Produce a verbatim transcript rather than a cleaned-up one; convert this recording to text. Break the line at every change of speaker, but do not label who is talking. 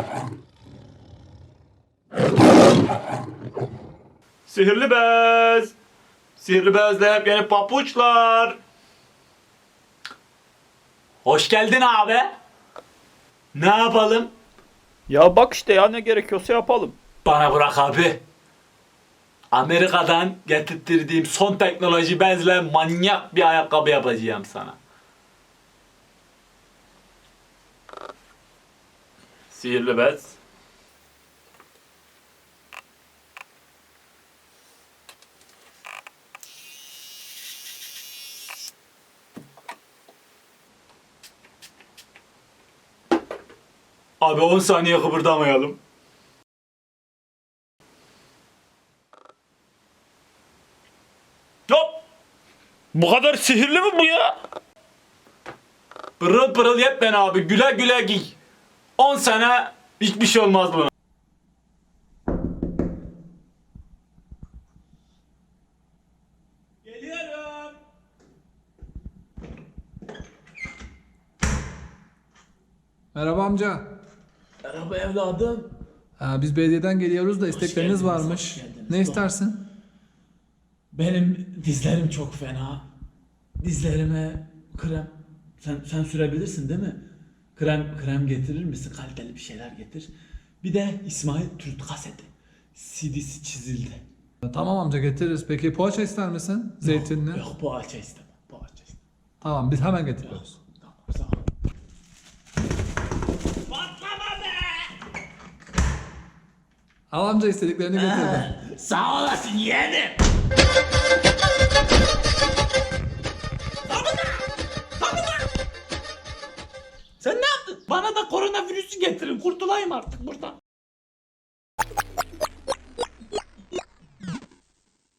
Sihirli bez. Sihirli bezle hep yeni papuçlar. Hoş geldin abi. Ne yapalım?
Ya bak işte ya ne gerekiyorsa yapalım.
Bana bırak abi. Amerika'dan getirttirdiğim son teknoloji bezle manyak bir ayakkabı yapacağım sana. Sihirli bez. Abi on saniye kıpırdamayalım. Hop!
Bu kadar sihirli mi bu ya?
Pırıl pırıl yepyeni abi, güle güle giy. on sene hiçbir şey olmaz buna. Geliyorum.
Merhaba amca.
Merhaba evladım.
Ha, biz belediyeden geliyoruz da istekleriniz
geldiniz,
varmış.
hoş geldiniz.
Ne
Doğru.
istersin?
Benim dizlerim çok fena. Dizlerime krem. Sen sen sürebilirsin değil mi? Krem krem getirir misin? Kaliteli bir şeyler getir. Bir de İsmail Türk kaseti. C D'si çizildi.
Tamam amca getiririz. Peki poğaça ister misin? Zeytinli.
Yok, yok poğaça istemem. Poğaça istemem.
Tamam biz hemen getiriyoruz.
Tamam sağ ol. Patlama be!
Al amca istediklerini getirdim.
Sağ olasın yeğenim. Sen ne yaptın? Bana da koronavirüsü getirin. Kurtulayım artık buradan.